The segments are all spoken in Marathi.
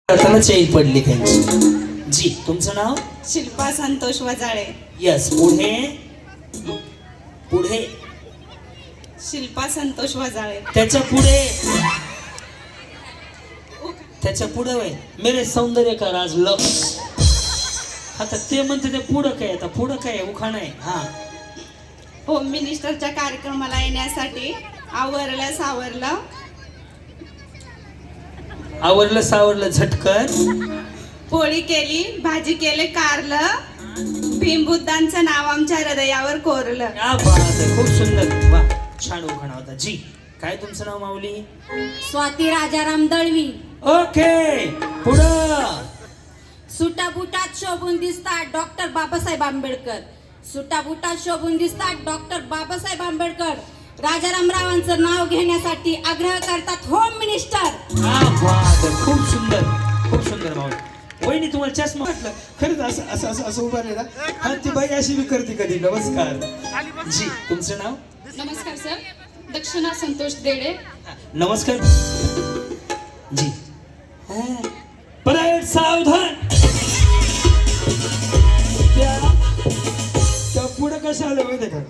करताना चैन पडली त्यांची. जी, तुमचं नाव? शिल्पा संतोष वजाळे. यस. पुढे पुढे शिल्पा संतोष वजाळे. त्याच्या पुढे वय मेरे सौंदर्य का राज लक्ष. आता ते म्हणते ते पुढं काय, आता पुढं काय उखाणं आहे. हा, होम मिनिस्टरच्या कार्यक्रमाला येण्यासाठी आवरलं सावरलं झटकन. पोळी केली, भाजी केले कारलं, भीमबुद्धांचं नाव आमच्या हृदयावर कोरलं. क्या बात आहे, खूप सुंदर. वा, छान उखाणा होता. जी, काय तुमचं नाव माऊली? स्वाती राजाराम दळवी. ओके, पुढं. सुटाबुटात शोभून दिसतात डॉक्टर बाबासाहेब आंबेडकर. सुटाबुटात शोभून दिसतात डॉक्टर बाबासाहेब आंबेडकर. राजारामरावांचं नाव घेण्यासाठी आग्रह करतात होम मिनिस्टर. क्या बात आहे, खूप सुंदर, खूप सुंदर माऊली. वहिनी, तुम्हाला चष्मा वाटलं खरंच असं असं असं असं उभा राहिला. हा, ती बाई अशी बी करते कधी. नमस्कार. जी, तुमचं नाव? नमस्कार सर, दक्षिणा संतोष देडे. नमस्कार. जी, परेड सावधान. त्या पुढे कसं आलं माहिती का?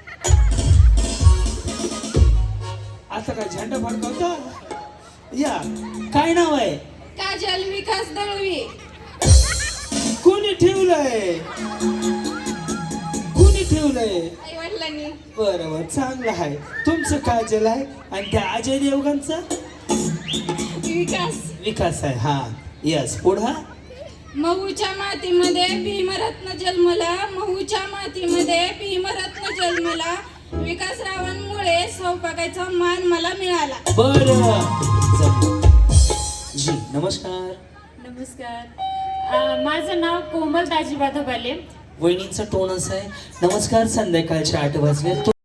आता काय झेंडा फडकावता? या, काय नाव आहे? काजल विकास दळवी. कोणी ठेवलंय? कोणी ठेवलंय? आई वडिलांनी. बरोबर, चांगलं आहे. तुमचं काजल आहे आणि त्या अजय देवगणचा विकास आहे. हा, यस. पुढं. महूच्या मातीमध्ये भीमरत्न जन्मला, महूच्या मातीमध्ये भीमरत्न जन्मला. विकासरावांमुळे सौभाग्याचा मान मला मिळाला. बरं. जी, नमस्कार. नमस्कार, माझं नाव कोमल दाजी बाधबाले. वहिनींचा टोन असा आहे, नमस्कार, संध्याकाळच्या 8 वाजले.